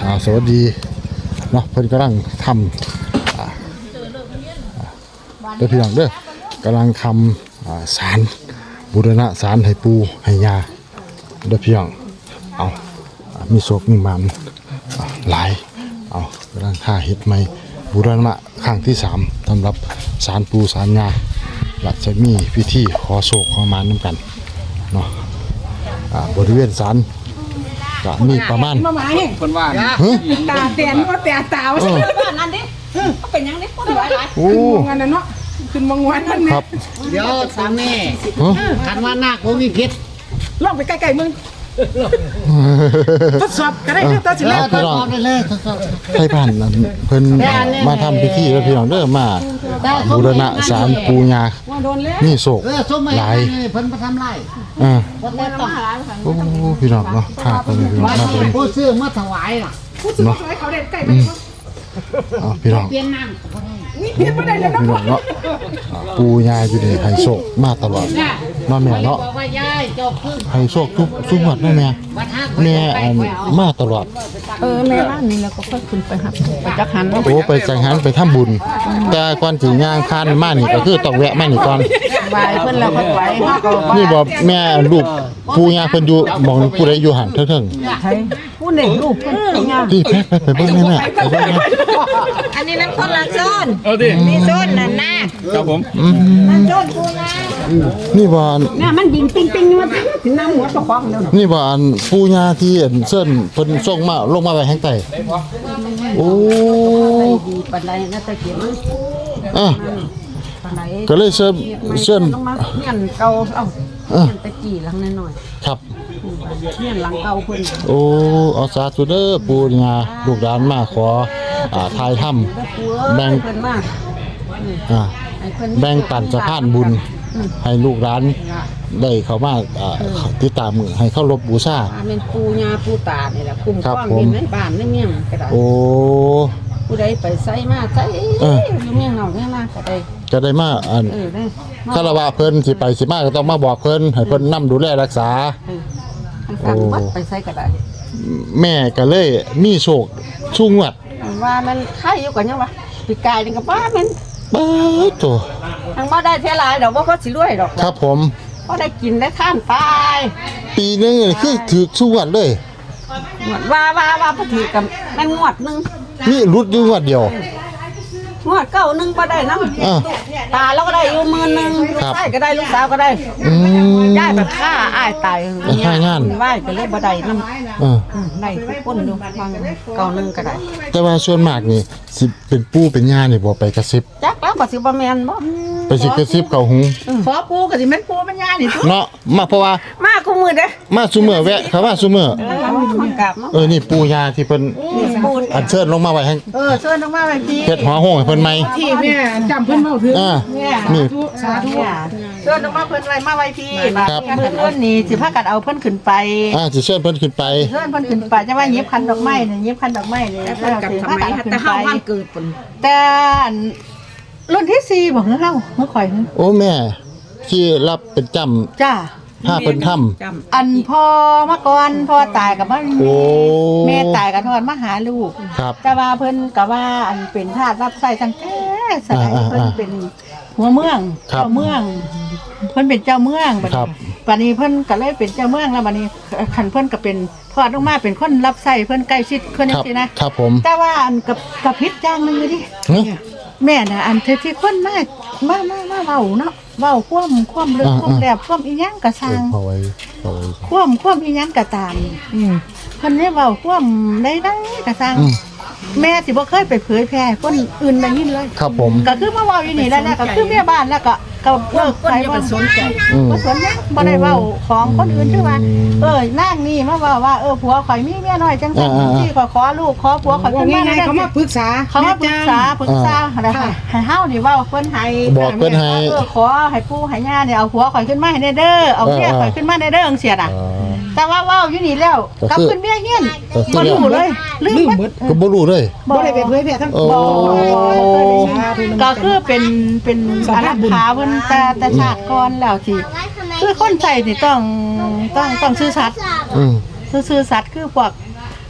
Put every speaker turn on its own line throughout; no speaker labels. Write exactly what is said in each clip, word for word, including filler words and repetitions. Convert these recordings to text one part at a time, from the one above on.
อ่าสวัสดีเนาะเพิ่นกำลังทำเด้อพี่น้องเด้อกำลังทำศาลบูรณะศาลให้ปู่ให้ย่าเด้อพี่น้องเอามีโศกมีมันหลายเอากำลังท่าเฮ็ดใหม่บูรณะครั้งที่สามสำหรับศาลปู่ศาลย่าและจะมีพิธีขอโศกขอมานนำกันเนาะบริเวณศาลก็มีประมาณ
คนว่า
ตาแตนว่าแต่ตาว่าใช่บ้านนั่นดิเขาเป็นยังไงคนหลายหลายโอ้งานนั่นเนาะขึ้นมางวนนั่น
ครับ
เดี๋ยวทางนี้คันว่านาคมีพิษ
ลองไปใกล้ๆมึงทดสอบก็ได้ทดสอบ
ทดสอบได้เลยทดสอบ
ให้ผ่านนั้นเพิ่นมาทำพิธีแล้วพี่น้องเด้อมาบูรณะศาลปู่ย่านี่โศกหลาย
เพิ่นมาทำไร
อ่าโอ้พี่น้องเนาะข้าก็มีพี่น้องมาเป็น
ผู้ซื้อมาถวายล่ะ
ผู้ซื้อมาถวายเขาเด็ดไก่ไป
อ๋อพี่น้อง
เปลี่ยนน้
ำนี่เปลี่ยนไม่ได้เลยนะ
พี่น้องเนาะปู่ย่าอยู่ในไฮโศกมาตลอดน้องแม่เนาะไฮโศกทุกทุกวันน้องแม่แม่มาตลอด
เออแม่บ้านนี่แล้วก็ค่อยขึ้นไปหักไปจักหัน
โอ้ไปจักหันไปทำบุญแต่ก่อนถึงย่างคานมานี่ก็คือต้องแวะมานี่ก่อน
ไปเพิ่นแล้วเพิ่นไหว
นี่บอกแม่ลูกปู่ย่าเพิ่นอยู่มองผู้ใดอยู่หันเถิง
ๆใช่ผู้หนึ่งลูกเพิ่นย่า
พี่ไปไปเบิ่งแม่แม่ไปเบิ่งแม่
อันนี้นั่นคนละโซนมีโซนนั่นนะครับ
ผม
นั่นโซนปู่ย่า
นี่บ่
เนี่ยมันยิงปิ๊งๆมาถึงน้ำหัวตะคองแล้ว
นี่บ่อันปู่ย่าที่เส้นเพิ่นส่งมาลงมาไว้แห่งใต้โอ้
ดีปานใดนะตะเกียบ
อ่ะก็เลยเชิญเชิญ
ลงมาเงี้ยเก่าเอ้าเงี้ยตะกี้หลังน้อย
ๆครับ
เงี้ยหลังเก่าเพิ่น
โอ้เอาสาธุเด้อปู่ย่าลูกหลานมาขออ่าทายถ้ำแบ่ง
เพิ่นมา
อ่าแบ่งปันสะพานบุญให้ลูกหลานได้เข้ามาอ่าติดตามมือให้เข้ารบบูชา
เป็นปู่ย่าปู่ตานี่แหละคุ้มครองอยู่ในบ้านในเมืองก็ได้
โอ้
ผู้ใดไปไสมาไสอยู่เมืองนอกเมืองนาก็ได้
ก็ได้มาอันคารวะเพิ่นสิไปสิมาก็ต้องมาบอกเพิ่นให้เพิ่นนำดูแลรักษา
โอ้ไปไสก็ได้
แม่ก็เลยมีโชคชูงวด
ว่ามันใครอยู่กันยังวะปีกายนี่ก็บ้ามัน
บ้าโต
ทางบ่ได้เท่าหลายดอกบ่พอสิรวยดอก
ครับผม
บ่ได้กินได้ข้ามตาย
ปีนึงคือถือชูงวดเลย
ว่าว่าว่าบ่ถือกับแม่งวดนึง
นี่รุดอยู่งวดเดียว
งวดเก้านึงบ่ได้นำตาเราก็ได้อยู่หมื่นนึงลูกชายก็ได้ลูกสาวก็ได้
อืม
ย้ายแบบฆ่าอ้ายตาย
ฆ่างาน
ไหว้ก็เลยบ่ได้นำเออได้ทุกคนอยู่บางเก้านึงก็ได้
แต่ว่าส่วนมากนี่สิเป็นปู่เป็นย่านี่บ่ไปกระซิบ
จักแล้วก็สิบ่แม่นบ่
ไปสิกระซิบเข้าหู
ขอปู่ก็สิแม่นปู่เป็นย่านี่
เนาะมาเพราะว่า
มาคุมื้อเด้
มาซุมื้อแวะเขาว่าซุมื้อเออนี่ปู่ย่าที่เพิ่นอัญเชิญลงมาไว้ให้
เออเชิญลงมาไว้พี่
เฮ็ดหัวโหงให้เพิ่นใหม่
ที่แม่จำเพิ่นเว้าถึง
อ่านี่
สาธุเชิญลงมาเพิ่นไว้มาไว้พี่ครับมื้ออื่นนี่สิพากันเอาเพิ่นขึ้นไป
อ่าสิเชิญเพิ่นขึ้นไป
เชิญเพิ่นขึ้นไปจะว่าเย็บคันดอกไม้นี่เย็บคันดอกไม้นี่แล้วสิพากันขึ้นไปแต่เฮาวันเกิดเพิ่นแต่รุ่นที่สี่บ่คือเฮาเมื่อข่อย
โอ้แม่ที่รับเป็นจำ
จ้า
ถ้าเพิ่นทำ
อันพ่อมาก่อนพ่อตายกับมันแม่ตายกับทอดมาหาลูกแต่ว่าเพิ่นก็ว่าอันเป็นทาสรับใช้ตั้งแต่สมัยเพิ่นเป็นหัวเมืองเจ้าเมืองเพิ่นเป็นเจ้าเมืองบัดนี้บัดนี้เพิ่นก็เลยเป็นเจ้าเมืองแล้วบัดนี้คันเพิ่นก็เป็นทอดลงมาเป็นคนรับใช้เพิ่นใกล้ชิดเพิ่นจังซี่นะครับ
ผม
แต่ว่าอันกับกับผิดอย่างนึงดิแม่น่ะอันที่คนมามามามาเว้าเนาะเว้าความความลึกความแหลบความอีหยังก็สร้างความความอีหยังก็ตามอืมเพิ่นได้เว้าความได้ได้ก็สร้างแม่สิบ่เคยไปเผยแพร่คนอื่นได้ยินเลย
ครับผม
ก็คือมาเว้าอยู่นี่แล้วก็คือแม่บ้านแล้วก็ก็เลิกไปบ่สนใจบ่สนใจบ่ได้เว้าของคนอื่นคือว่าเอ้ยนางนี่มาเว้าว่าเออผัวข่อยมีเมียน้อยจังซั่นที่ขอขอลูกขอผัวข่อยขึ้นมาได้เขามาปรึกษาเขามาปรึกษาปรึกษาอะไรค่ะให้เฮานี่เว้าเพิ่นให้
บอกเพิ่นให้
เออขอให้ปู่ให้ย่าเนี่ยเอาผัวข่อยขึ้นมาให้ได้เด้อเอาเมียข่อยขึ้นมาได้เด้อจังซี่น่ะแต่ว่าเว้าอยู่นี่แล้วกลับขึ้นเมียเฮียนบ่รู้เลยลืมหมด
ก็บ่รู้เลย
บ่ได้ไปเผยแพร่ทั้งบ่ก็คือเป็นเป็นอารักขาเพิ่นแต่แต่ชาติก่อนแล้วที่คือคนใส่นี่ต้องต้องต้องซื่อสัตย์อือซื่อสัตย์คือพวก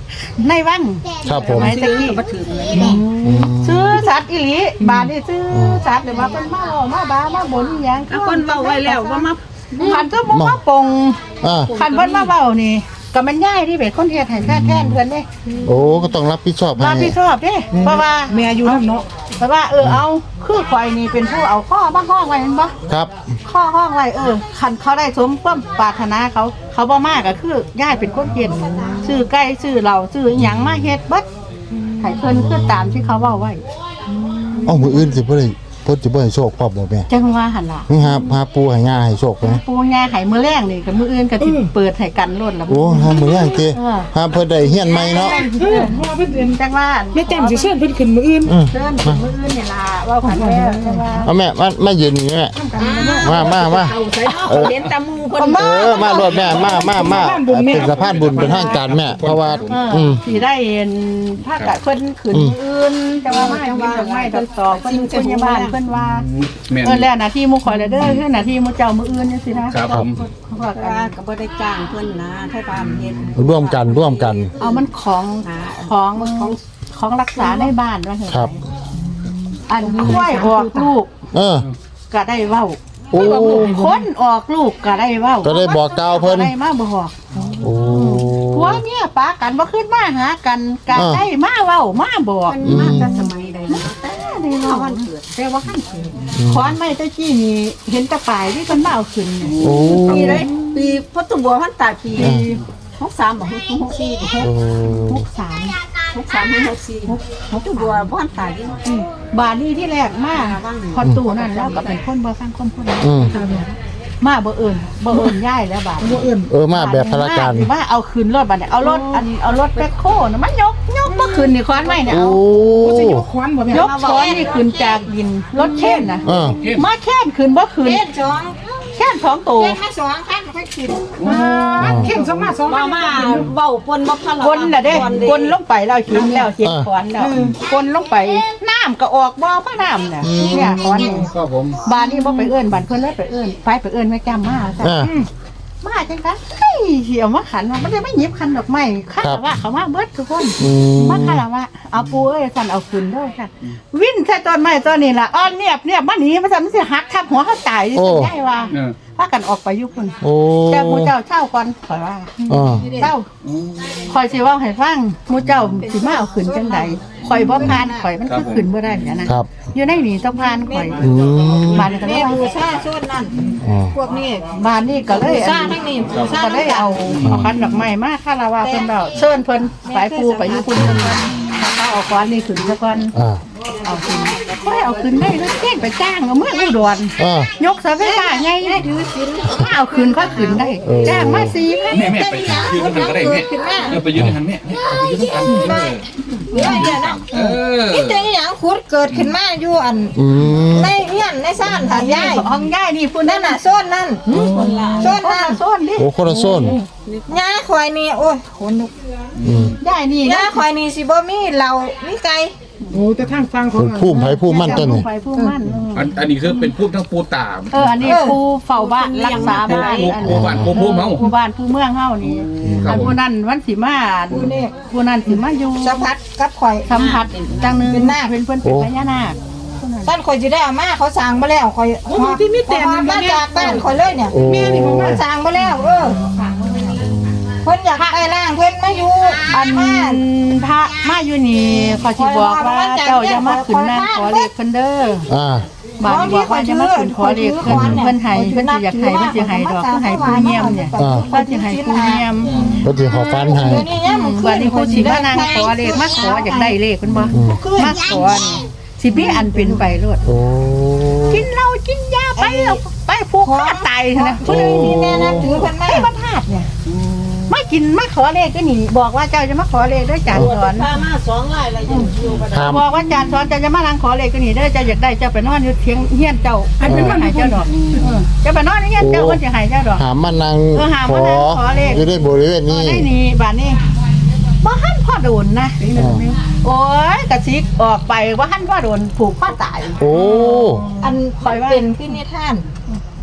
ในวัง
ครับผม
สมัยตะกี้ซื้อสัตว์อีหลีบาดนี่ซื้อสัตว์เดี๋ยวมาเป็นมาเอามาบามาบนอหยัง
เอาคนเว้าไว้แล้วว่ามา
คันก็บ่มาปง
อ่า
คันเพิ่นมาเว้านี่ก็มันย่ายที่เป็นคนเฮ็ดให้แท้แทนเพิ่นเด้
โอ้ก็ต้องรับผิดชอบให้
รับผิดชอบเด้เพราะว่า
แม่อยู่นำเนาะ
เพราะว่าเออเอาคือข่อยนี่เป็นผู้เอาข้อมาห้องไว้แม่นบ่
ครับ
ข้อห้องไว้เออคันเขาได้สมความปรารถนาเขา เขาบ่มาก็คือย่ายเป็นคนเฮ็ดซื้อไก่ซื้อเหล้าซื้ออิหยังมาเฮ็ดเบิดให้เพิ่นคือตามที่เขาเว้าไว้
เอ้ามื้ออื่นสิบ่ได้เพิ่นสิบ่ให้โชคพร้อมบ่แม่
จังว่าหั่นล่ะ
นี่ครับพาปูให้ย่าให้โชคไป
ปูย่าไข่มื้อแรงนี่กับมื้ออื่นก็สิเปิดให้กันโลดล่ะ
โอ้หามื้ออย่างเตะ
เออ
หาเพิ่นได้เฮียนใหม่เนาะ
จังว่า
แม่แจ่มสิเชิญเพิ่นขึ้นมื้ออื่น
อือ
เชิญมื้ออื่นนี่ล่ะเว้ากันแล้วจังว่า
เอาแม่มามายืนนี่แม่มามามา
เอาใส่เห็นตามูเพิ่น
เออมารวดแม่มามามาเป็นสะพานบุญเป็นทางการแม่เพราะว่า
เออ
อืม
สิได้เห็นภาคกะเพิ่นขึ้นมื้ออื่นจังว่ามาจังว่าไม่ดอกตอกเพิ่นพยาบาลเพิ่นว่า
แม่น
เออแล้วหน้าที่หมู่ข่อยแล้วเด้อคือหน้าที่หมู่เจ้ามื้ออื่นจังซี่นะครับ
ผม
เขาว่ากัน
ว่าก็บ่ได้จ้างเพิ่นนะไทบ้านเฮ็ด
ร่วมกันร่วมกัน
เอามันของของของของรักษาในบ้านว่าเถอะ
ครับ
อันค่อยออกลูก
เออ
ก็ได้เว้า
โอ้
คนออกลูกก็ได้เว้า
ก็ได้บอกกล่าวเพิ่น
ก็ได้มาบอก
โอ้
ผัวเมียปากันบ่ขึ้นมาหากันก็
อ่า
ได้มาเว้ามาบอก
มันมาแต่สมัยใดนะ
ได้เว้าวันเกิดแต่ว่าขั้นเกิดขอนไม้ตะกี้นี่เห็นแตะปลายที่เพิ่นมาเอาขึ้นเนี่ย
โอ้
ปีใดปีพุทธบัวพันตาปีหกสามบ่หกสี่
โอ้
หกสาม
หกสามหกสี่พุทธบัวพันตาที่
บาดนี้ที่แรกมาพอตู้นั่นแล้วก็เป็นคนบ่ฟังคนพูด
อืม
มาบ่เอิ้นบ่เอิ้นย้ายแล้วบาดบ่เอิ้น
เออมาแบบพลการ
ว่าเอาขึ้นรถบัดเนี่ยเอารถอันเอารถแบ็คโคน่ะมันยกยกบ่ขึ้นนี่ขอนไม้เนี่ย
โอ้
เอายกขอนนี่ขึ้นจากดินรถเข็นน่ะ
เออ
มาแค่นขึ้นบ่ขึ้น
เฮ็ดสอง
แค่นสองตัว
เฮ็ดมาสองคันค่อยขึ้น
เข็นสองมาสอง
มามาเว้าปนบ่คัน
กลน่ะเด้กลลงไปแล้วหินแล้วเฮ็ดขอนแล้วกลลงไปน้ำก็ออกบ่มาน้ำน่ะเนี่ยขอนนี่
ครับผม
บ้านนี้บ่ไปเอิ้นบ้านเพิ่นเลยไปเอิ้นไปไปเอิ้นแม่จ้ามาซะ
อ่า
มาจังกันเฮ้ยเหี่ยวมาขันว่ามันได้ไม่หยิบคันดอกไม้คัน
ครับ
ว่าเขามาเบิดทุกคน
อืม
มาคันว่าเอาปูเอ้ยสั่นเอาขึ้นเด้อค่ะวิ่นใส่ต้นไม้ต้นนี้ล่ะอ้อนเนียบเนียบมาหนีมาสั่นมันสิหักทับหัวเขาตายดิฉันได้ว่า
เออ
พากันออกไปอยู่พุ่น
โอ้
แต่หมู่เจ้าเช่าก่อนข่อยว่า
อ่า
เจ้าข่อยสิเว้าให้ฟังหมู่เจ้าสิมาเอาขึ้นจังไดข่อยบ่ผ่านข่อยมันคือขึ้นบ่ได้เนี่ยนะครับ อยู่ในนี่ต้องผ่านข่อย
อืม
บ้านนี้ก็เล
แม่
ย
บู
ว่า
ชาชุดนั้น
อ่า
พวกนี้
บ้านนี้ก็เลย
บู
อั
ชาน ทั้งนี้บูชา
ก็ได้เอาเอาคันดอกไม้มาคาราวะเพิ่นเดาเชิญเพิ่นสายปูไปอยู่พุ่นเพิ่นก่อนถ้าเอาก้อนนี่ขึ้นซะก่อน
อ่า
เอาขึ้นค่อยเอาขึ้นได้แล้วเจ้งไปจ้างเอาเมื่ออุดร
อ่าย
กเสาไฟฟ้าใหญ่ถือศีลถ้าเอาขึ้นก็ขึ้นได้จ้างมาสี่พัน
แม่แม่ไปยืนกันก็ได้แม่เออไปยืนกันแม่ไปยืนกัน
เดี๋ยวเดี๋ยวนะ
เออ
นี่แต่อหย่างขุดเกิดขึ้นมาอยู่อัน
อืม
ในเฮียนในซ่านทางยาย
ห้องย่ายนี่พุ่น
นั่
นั่
น
น
น่ะ
น่ะ
โซนนั่นโซน
โซ
นั่น
นโซนดิ
โอ้คนละโซน
ยาข่อยนี่โอ้ยขนลุก
อืม
ย่ายนี่
ยาข่อยนี่สิบ่มีเหล้ามีไก่
เป็นผู้ไผผู้มั่นต้นนี่
ไปผู้มั่น
อันอันนี้คือเป็นพูดทั้งปูตาม
เอออันนี้ผู้เฝ้าบ้านรักษาบ้าน
ปู
อัน
ปูบ้านปูปูเมา
ผู้บ้านผู้เมืองเฮานี่
ครับ
อันผู้นั้นวันสิมาผู้นั้นสิมาอยู่
สัมผัสกับข่อย
สัมผัสจังหนึง
เป็นนาค
เป็นเพิ่นเป็นพญานาค
บ้านข่อยสิได้เอามาเขาสั่งบ่แล้วข่อยที่มีแต่มาจากบ้านข่อยเลยเนี่ย
โอ้
เขาสั่งบ่แล้วเออเพิ่นอยากได้ร่างเพิ่นมาอยู่
อัน
บ้าน
พระมาอยู่นี่ขอสิบอกว่าเจ้าอย่ามาขึ้นนั่นขอเลขเพิ่นเด้อ
อ่า
บ้านบอกว่าอย่ามาขึ้นขอเลขเพิ่นเพิ่นให้เพิ่นสิอยากให้เพิ่นสิให้ดอกเพิ่นให้ผู้เยี่ยมเนี่ย
อ่า
เพิ่นสิให้ผู้เยี่ยม
ก็สิขอฟันให้
เดี๋ยวนี้เนี่ยมัน
บัดนี้ผู้สิมานั่งขอเลขมาขออยากได้เลขเพิ่นบ่มาขอนี่สิมีอันเป็นไปโลด
โอ้
กินเหล้ากินยาไปแล้วไปผูกคอตายเถอะนะ
ผู้ใดมีแม่นับถือเพิ่นไหม
ไอ้บ้านธาตุเนี่ยมากินมาขอเลขก็หนีบอกว่าเจ้าจะมาขอเลขด้วยจานสอน
พามาสองรายแล้วยังอยู่บ่ได้
ห้าม
บอกว่าจานสอนเจ้าจะมานั่งขอเลขก็หนีเด้อเจ้าอยากได้เจ้าไปนอนอยู่เทียงเฮียนเจ้าอันเป็นมันหายเจ้าดอกเออเจ้าไปนอนในเฮียนเจ้ามันจะหายเจ้าดอก
หามมานั่ง
เออหา
ข
มา
อ
นั่งขอเลข
อยู่ในบริเวณ
เอ
นี้
อได้หนีบ้านนี้บ่หันพ่อโดนนะโอ้ยกระซิกออกไปว่าหันพ่อโดนผูกข้อตาย
โอ้
อันข่อยเป็นขึ้นนิทาน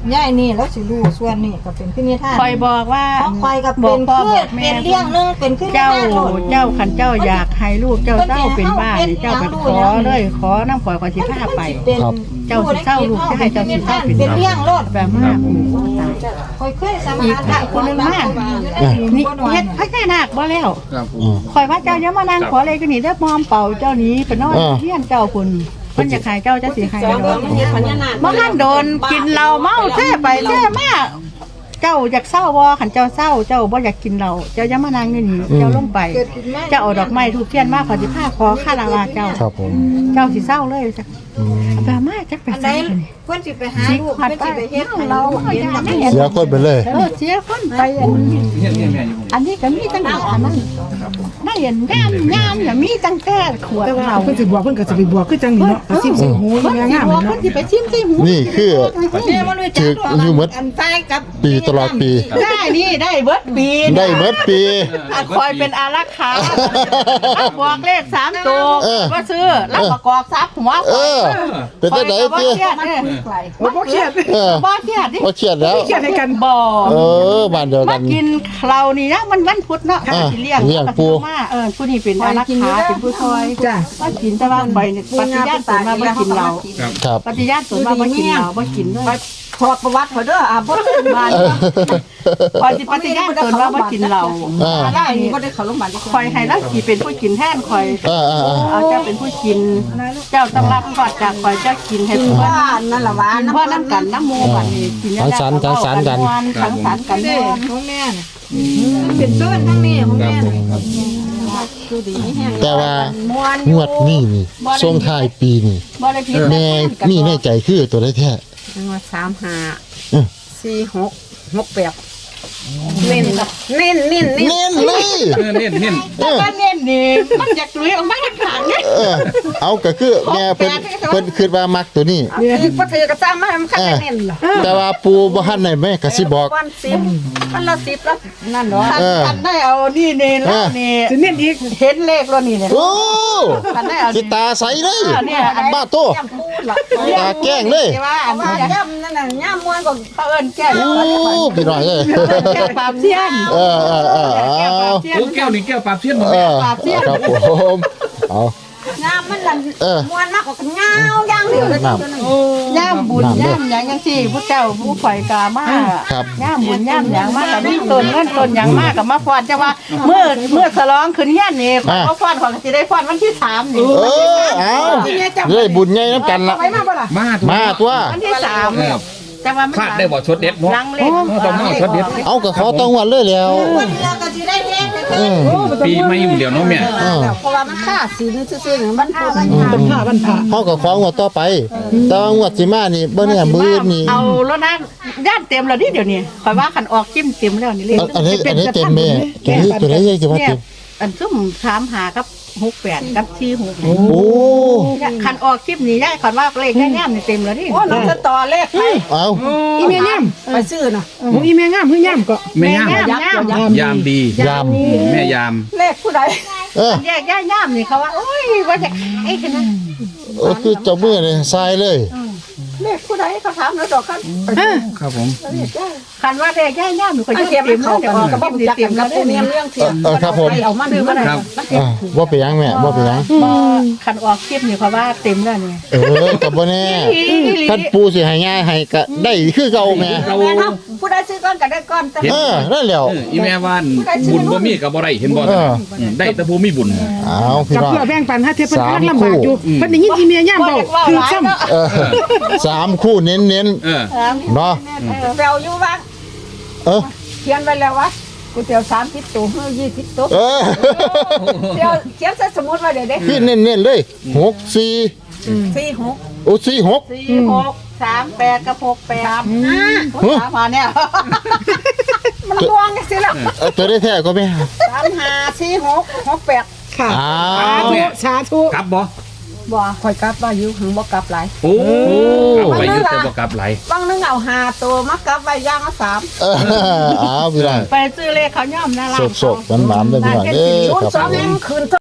ยายนี่แล้วสิรู้ส่วนนี่ก็เป็นขึ้นนิทาน
คอยบอกว่า
ของคอยก็
บ
เป็
อก
น
พ่อ
คื
บ
อ
อกแม่
เป็นเลี้ยงหนึงเป็นขึ้นนิ
เจ้า
ทานโลด
เจ้าขันเจ้าอยากให้ลูกเจ้าเจ้าเป็นบ้านนี่เจ้าไปขอเลยขอน้ำข่อยขอสิพาไป
เป็น
เจ้าสิเศร้าลูกจะให้เจ้าสิเศร้าเป็น
เป็นเลี้ยงโลด
แบบมากตาย
คอยเคยสัมผัสได้คนนึงมาก
นี่เฮ็ดพระแค่นาคบ่แล้ว
ครับผม
อืม
ข่อยว่าเจ้าอย่ามานั่งขอเลยก็นี่เด้อมอมเป่าเจ้านี้ไปนอน
อ่า
เฮียนเจ้าคุณเพิ่นอยากให้เจ้าจะสิให้
สอง
เด้
เดือ
อน
มันเฮ็ดพญานาค
บ่ทันโดนกินเหล้าเมาแท้ไปแท้มาเจ้าอยากเศร้าบ่คันเจ้าเศร้าเจ้าบ่อยากกินเหล้าเจ้าอย่ามานั่งอยู่นี่เจ้าลงไป
เกิดขึ้นมา
เจ้าเอาดอกไม้ทูบเทียนมาขอสิพาขอคารวะเจ้า
ครับผม
เจ้าสิเศร้าเลยจ้ะ
อืม
แบบมาจักไป
อันใด
ใส่นี่
เพิ่นสิไปหา
สิ
ลูก
ขัด
เพิ่น
ไป
สิไปเฮ็ดให้
เรา
ลูกเห็นแบบนี้
เสียคนไปเลย
เออเสียคนไปอัน
เฮียนเฮียนแม่อยู่ผม
อันนี้ก็มีตั้งแต่อันนั้นไม่เห็นงามงามอย่ามีตั้งแต่ขวด
แต่ว่า
เรา
เพิ่นสิบวกเพิ่นก็จะไปบวกคือจังนี่เนาะอาชีพใส่หู
เพิ่น
งาม
สิ
งาม
บอก
เนาะ
เพิ่นสิไปชิมใส่หู
นี่คือ
แม่บ่รู้จัก
ถืออยู่หมด
อันใต้กับ
ปีตลอดปี
ได้นี่ได้เบิดปี
ได้เบิดปี
ถ้าคอยเป็นอารักขาบอกเลขสามตัว
เออ
ก็ซื้อรับประกอบทรัพย์หัว
เออ เป็นจังได๋
บ่
ติ
เครียดเด้อ
โอ้บ่เครียด
เออ
บ่เครียดดิ
บ่เครียดแล้ว
เครียดให้กัน
บ่
เออบ้านเดียว
มา
กัน
กินเรานี่นะมันวันพุธเนาะ
อ่า
สิเลี้ยง
เลี้ยงปู
มาเออผู้นี้เป็นอารักขาเป็นผู้ซอย
จ้ะ
ว่ากินแต่ว่าไปเนี่ยปฏิญาณตนมาบ่กินเรา
ครับ
ครับ
ปฏิญาณตนมาบ่กินเราบ่กินด้วย
ขอประวัติเขาเด้ออ่ะบ่ได้บ้าน
เออ
คอยสิปฏิญาณตนว่าบ่กินเรา
อ่า
ได้นี่บ่ได้เข้าโรงพยาบาลจัก
คอยให้เราสิเป็นผู้กินแทนคอย
อ่าอ่าอ่า
เอาเจ้าเป็นผู้กิน เจ้าต้องรับกอดจากคอยเจ้ากินให้ผู้
ว่า
ว่า
นั่นล่ะว่า
กินเพราะน้ำกันน้ำหมูกันนี่กินยา
สังสรรค์สังสรรค์กัน
สังสรรค์กัน
เด้
ม่วน
ของแม่น่ะเป็นต้นทั้งนี้ของ
ครับ
แม่
ผ
น่ะ
มครับ
ดูดีแห้ง
แต่ว่า
ม่วน
งวดนี้นี่ช่วงท้ายปีนี่
บ่ได้ผิด
แม่มีในใจคือตัวได้แท้
ว่าสามห้า
เออ
สี่หกหกแปดเน้นเน้นเน้นเน้น
เน้นเลย
เออเน้นเน้น
แต่ว่าเน้นนี่มันอยากลุยออกมาทางนี้
เออ เอาก็คือแม่เพิ่นเพิ่นคิดว่ามักตัวนี้
ถือบ่ถือกระซ้ำมาให้มันคันได้เน้นล่ะ
แต่ว่าปูบ่ทันได้แม่ก็สิบอก
วันสิบวันละสิบแล้วนั่นเนาะ
เออ
คันได้เอานี่นี่แล้วนี่
สิเน้นอีก
เห็นเลขแล้วนี่เนี่ย
โอ้
คันได้เอา
สิตาใสเลย
เนี่ยอัน
บ้าโต
ย่ำพูดล่ะ
ตาแกล้งเลย
ว่าอัน
ว่า
นี้
ย่ำนั่นน่ะย่ำม่วนก็
เขาเอิ้นแก้ว
โอ้พี่น้อยเอ้ย
แก้วปราบเทียน
เออเออเออเอา
โอ้แก้วนี่แก้วปราบเทียนบ่
เอ
แม่
อครับผมเอา
ย่ำมันนั่น
เออ
ม่วนมากกว่าเงาย่างเดียวเลย
น้
ตัวนึง
ย่ามบุญย่ามหยังจังซี่ผู้เจ้าผู้ข่อยกามา
ครับ
ย่ามบุญย่ามหยังมากับมีต้นเงินต้นหยังมากับมาฟ้อนจะว่าเมื่อเมื่อฉลองขึ้นเฮียนนี่ข่อยก็ฟ้อนข่อยก็สิได้ฟ้อนวันที่สามนี่
เออเอาเลยบุญใหญ่น้ำกันละ
ไปมาบ่ล่ะ
มาถูก
มาตัว
วันที่สาม
เออ
แต่ว่ามัน
พลาดได้บ่ชดเด็ดเนาะ
ลังเล่น
ต้องมาชดเด็ด
เอาก็ขอต้องวันเลยแล้ว
วันเดียวก็สิได้เฮ็ดเลย
เออ
ปีไม่อยู่เดียวเนาะแม่
เออ
เพราะว่ามันค่าศีลซื่อๆนี่มันพูด
บรรพาบรรพา
เขาก็ของวดต่อไป แต่ว่างวดสิมานี่บ่เนี่ยมือนี่
เอาแล้วนะย่านเต็มแล้วนี่เดี๋ยวนี้ข่อยว่าคันออกจิ้มเต็มแล้วนี่เลย
อันอันนี้อันนี้เต็มแม่ตัวนี้ตัวนี้ยังจะว่า
เนี่ย
เต็ม
อันซุ่มถามหากับหกแปดกับที่หก
โอ้
คันออกคลิปนี้ย่ายคันว่าเลขได้แนมนี่เต็มแล้วนี่
โอ้น้องจะต่อเลขไป
เอา
อีแม่งาม
ไปซื้อน่ะ
โอ้อีแม่งามคืองามก็
แม่ย่าม
ย่ามย่าม
ยามดี
ยาม
แม่ยาม
เลขผู้ใด
เออ
แยกย่ายย่ามนี่เขาว่าโอ้ยว่าจะไอ้ขนาด
เออคือเจ้ามือนี่ทรายเลย
เลขผู้ใดเขาถามแล้วดอกกัน
ครับผม
คันว่าเลขย่ายย่ามนี่ก็
มัน
ยัง
เทียม
เต็ม
เขา
แล้ว
กั
เดี๋ย
น
วออก
กับ
คลิ
บ่
ปนี้
จัก
เต็
กั
ม
น
แล้
กับ
ว
ผู้
เนี่ย
เนียมเรื่องเทียม
เออครับผม
เอามันมัน
เออว่าไปยังแม่ว่าไปยัง
บ่คันออกคลิปนี่เขาว่าเต็มแล้วนี่
เออกับบ่แน่ท่านปูสิให้ง่ายให้ก็ได้คือเก่าแม่
เรา
แม่เนาะผู้ใดซื้อก่อนก็ได้ก่อนแต่
เออนั่นแหล้ว
เอออีแม่ว่านบุญบ่มีก็บ่ได้เห็นบ่
เออ
มได้แต่ผู้มีบุญ
เอาพี่
กับ
น้อง
เพื่อแบ่งปันให้เทพเพิ่น
สาม
กำลังลำบากอยู่
คู่
เพิ่นได้ยินอีแม่งามเว้าคือซ้ำ
เออสามคู่เน้นเน้น
เออ
ๆเนาะ
แปลอยู่ว่า
เออ
เขียนไว้แล้วว่าก๋วยเตี๋ยวสามสิบตัวเฮ้ยยี่สิบตัว
เออ
เดี๋ยวเขียนใส่สมุดไว้เดี๋ยวเด้
พี่เน้นเน้นๆเลยหกสี่
สี่หก
โอ้สี่หก
สี่หกสามแปดกับหกแปด
ห้า
สามมาเนี่ย
มันลวงจังซี่ล่ะ
เออตัวได้แท้ก็ไม่
สามห้าสี่หกหกแปด
ค่ะ
อ้า
สาว ธุสาธุ
กลับบ่
บ่ข่อยกลับว่าอยู่หึงบ่กลับหลาย
โอ้กลับไปอยึดแต่บ่กลับไหล
บางนึงเอาห้าตัวมากลับไว้อย่างละสาม
เอออ้าวพี่น้อง
ไปซื้อเลขเขาย่อมนะร้าน
สดๆหวานๆเลยพี่น้องเด้อ
ศูน
ครั
ย์
บ
สอง
ผม
ยังคืน